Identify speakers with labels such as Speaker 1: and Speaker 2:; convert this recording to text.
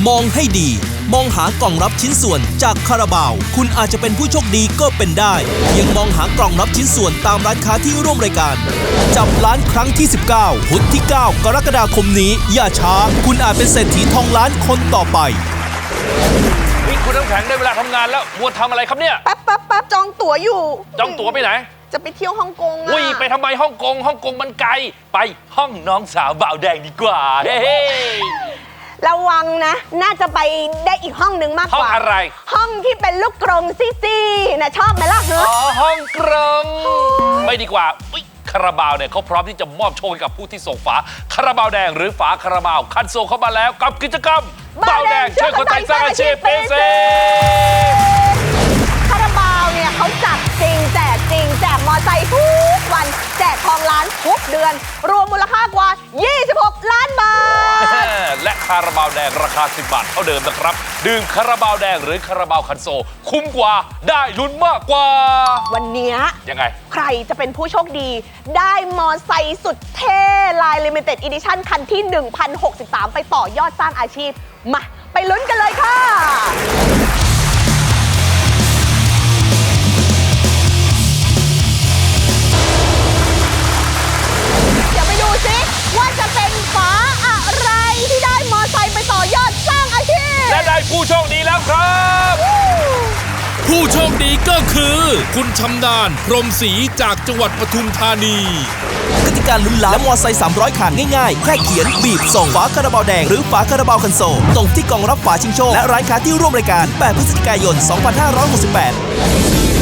Speaker 1: มองให้ดีมองหากล่องรับชิ้นส่วนจากคาราบาวคุณอาจจะเป็นผู้โชคดีก็เป็นได้เพียงมองหากล่องรับชิ้นส่วนตามร้านค้าที่ร่วมรายการจับล้านครั้งที่19พุธที่9กรกฎาคมนี้อย่าช้าคุณอาจเป็นเศรษฐีทองล้านคนต่อไป
Speaker 2: นี่คุณน้ำแข็งได้เวลาทำงานแล้วมัวทำอะไรครับเนี่ย
Speaker 3: แป๊บจองตั๋วอยู่
Speaker 2: จองตั๋วไปไหน
Speaker 3: จะไปเที่ยวฮ่องกง
Speaker 2: อุ้ยไปทำไมฮ่องกงมันไกลไปห้องน้องสาวบ่าวแดงดีกว่าเฮ้
Speaker 3: ระวังนะน่าจะไปได้อีกห้องนึงมากกว่า
Speaker 2: ห้องอะไร
Speaker 3: ห้องที่เป็นลูกกรงซี่ๆนะชอบไหมล่ะเนอะ
Speaker 2: อ๋อห้องกรงไม่ดีกว่าคาราบาวเนี่ยเขาพร้อมที่จะมอบโชคให้กับผู้ที่ส่งฝาคาราบาวแดงหรือฝาคาราบาวคันโซเข้ามาแล้วกับกิจกรรมบ่าวแดงช่วยคนไทยสร้างอาชีพเป็นเศรษฐี
Speaker 3: คาราบาวเนี่ยเขาจับจริงแจกจริงแจกมอไซค์ทุกวันแจกทองล้านทุกเดือนรวมมูลค่ากว่า26 ล้านบาท
Speaker 2: และคาราบาวแดงราคา10 บาทเท่าเดิมนะครับดื่มคาราบาวแดงหรือคาราบาวคันโซคุ้มกว่าได้ลุ้นมากกว่า
Speaker 3: วันนี้
Speaker 2: ยังไง
Speaker 3: ใครจะเป็นผู้โชคดีได้มอไซค์สุดเท่ลาย Limited Edition คันที่ 1063 ไปต่อยอดสร้างอาชีพมาไปลุ้นกันเลยค่ะว่าจะเป็นฝาอะไรที่ได้มอไซค์ไปต่อยอดสร้างอาชีพ
Speaker 2: และได้ผู้โชคดีแล้วครับ
Speaker 1: ผู้โชคดีก็คือคุณชำนาญพรหมศรีจากจังหวัดปทุมธานีกติกาลุ้นล้านและมอไซค์300 คันง่ายๆแค่เขียนบีบส่งฝาคาราบาวแดงหรือฝาคาราบาวคันโซลตรงที่กล่องรับฝาชิงโชคและร้านค้าที่ร่วมรายการ8 พฤศจิกายน 2568